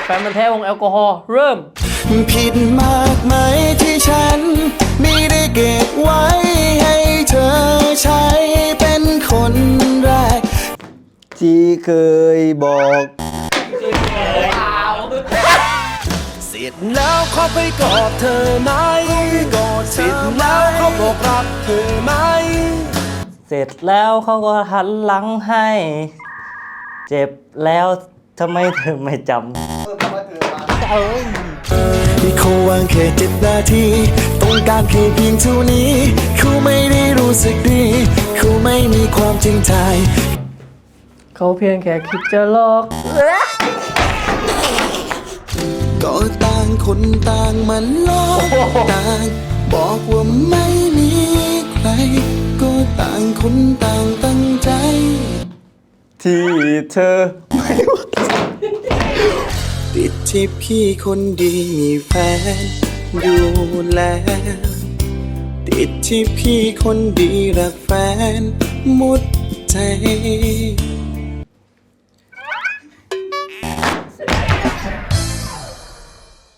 แฟนมันธุ์แท้วงแอลกอฮอล์เริ่มผิดมากไหมที่ฉันไม่ได้เก็บไว้ให้เธอใช้เป็นคนแรกที่เคยบอกเสร็จแล้วเขาไปกอดเธอไหมเสร็จแล้วเขาบอกรักเธอไหมเสร็จแล้วเขาก็หันหลังให้ เจ็บแล้วทำไมเธอไม่จำเขาวางแค่7 นาทีต้องการแค่เพียงเท่านี้เขาไม่ได้รู้สึกดีเขาไม่มีความจริงใจเขาเพียงแค่คิดจะหลอกก็ต่างคนต่างมันหลอกต่างบอกว่าไม่มีใครก็ต่างคนต่างตั้งใจที่เธอไม่ติดที่พี่คนดีมีแฟนดูแลติดที่พี่คนดีรักแฟนหมดใจ